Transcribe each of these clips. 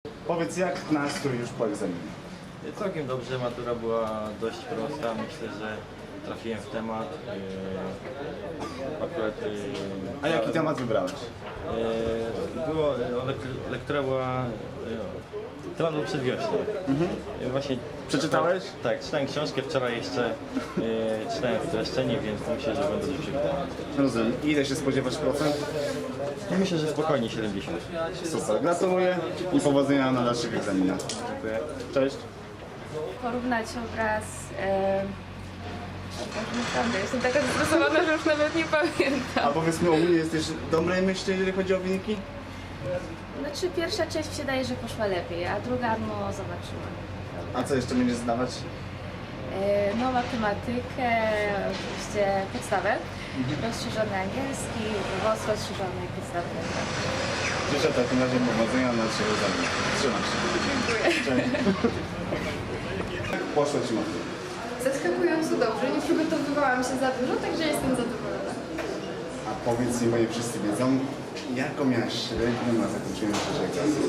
Powiedz, jak nastrój już po egzaminie? Całkiem dobrze, matura była dość prosta, myślę, że trafiłem w temat. Akurat... A jaki temat wybrałeś? Lektura była... Temat był przedwiośnie. Właśnie, Przeczytałeś? Tak, czytałem książkę wczoraj jeszcze, czytałem streszczenie, więc myślę, że będę dobrze przywitał. Rozumiem. Ile się spodziewasz procent? Ja myślę, że spokojnie 70. Super, gratuluję i powodzenia na dalszych egzaminach. Dziękuję. Cześć. Porównać obraz... Naprawdę, jestem taka zestresowana, że już nawet nie pamiętam. A powiedz mi, ogólnie jesteś dobrej myśli, jeżeli chodzi o wyniki? Znaczy pierwsza część mi się daje, że poszła lepiej, a druga no zobaczymy. A co jeszcze będziesz zdawać? No matematykę, oczywiście podstawę, rozszerzony angielski, WOS rozszerzony i podstawę. Życzę w takim razie powodzenia na dalszych egzaminach. Trzymaj się. Dziękuję. Cześć. Jak poszło Ci matura? Zaskakująco dobrze, nie przygotowywałam się za dużo, także jestem zadowolona. A powiedz mi, bo nie wszyscy wiedzą, jaką miałaś średnią na zakończeniu trzeciej klasy?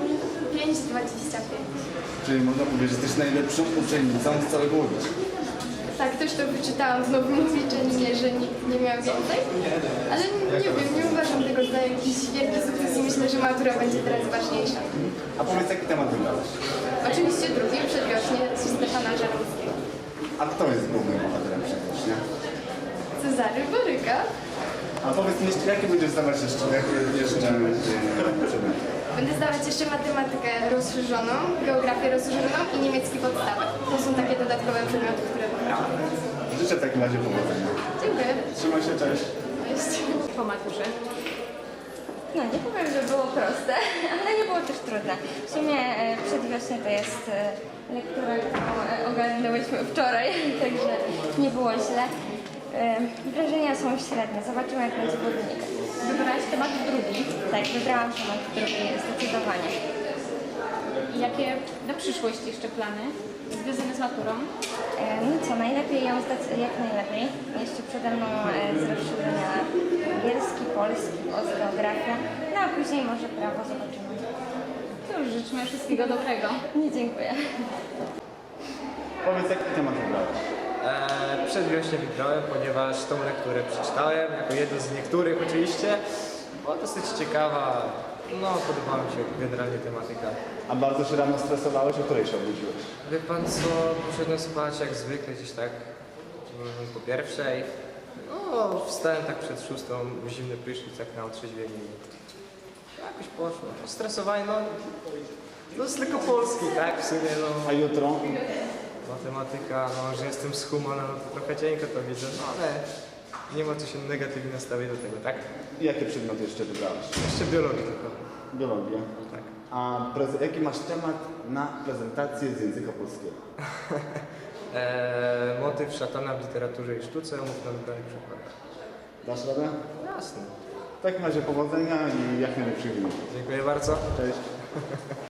5,25. Czyli można powiedzieć, że jesteś najlepszą uczennicą z całego Łodzi. Tak, też to wyczytałam w nowym obliczeniu, że nikt nie miał więcej. Ale nie wiem, nie uważam tego za jakiś wielki sukces i myślę, że matura będzie teraz ważniejsza. A powiedz, jaki temat wybrałeś? Oczywiście drugi, przedwiośnie, z Stefana Żarowskiego. A kto jest głównym bohaterem przedwiośnia? Cezary Boryka. A powiedz mi, jakie będziesz zdawać jeszcze przedmioty? Będę zdawać jeszcze matematykę rozszerzoną, geografię rozszerzoną i niemiecki podstawę. To są takie dodatkowe przedmioty, które wybrałam. Życzę w takim razie powodzenia. Dziękuję. Trzymaj się, cześć. Cześć. Po maturze. No nie powiem, że było proste, ale nie było też trudne. W sumie przedwiośnie to jest lektura, którą ogarnęłyśmy wczoraj, także nie było źle. Wrażenia są średnie, zobaczymy jak będzie po wynikach. Wybrałaś temat drugi. Tak, wybrałam temat drugi zdecydowanie. Jakie na przyszłość jeszcze plany związane z maturą? No co, najlepiej ją zdać jak najlepiej. Jeszcze przede mną z rozszerzenia angielski, polski, geografia, no a później może prawo, zobaczymy. Cóż, życzmy wszystkiego dobrego. Nie, dziękuję. Powiedz, jaki temat wybrałeś? Przedwiośnie wybrałem, ponieważ tą lekturę przeczytałem, jako jedną z niektórych oczywiście. Była dosyć ciekawa, no podobała mi się generalnie tematyka. A bardzo się rano stresowałeś, o której się obudziłeś? Wie pan co, poszedłem spać jak zwykle gdzieś tak po pierwszej. No wstałem tak przed 6, zimny prysznic tak na otrzeźwienie i jakoś poszło. Stresowanie, no jest tylko polski, tak w sumie no. A jutro? Matematyka, no, że jestem z Humana, no to trochę cienko to widzę, no ale nie ma co się negatywnie nastawić do tego, tak? I jakie przedmioty jeszcze wybrałeś? Jeszcze biologię tylko. Biologię. Tak. A jaki masz temat na prezentację z języka polskiego? Motyw szatana w literaturze i sztuce, umów na wybranych przykładach. Dasz radę? Jasne. W takim razie powodzenia i jak najlepszych wyników. Dziękuję bardzo. Cześć.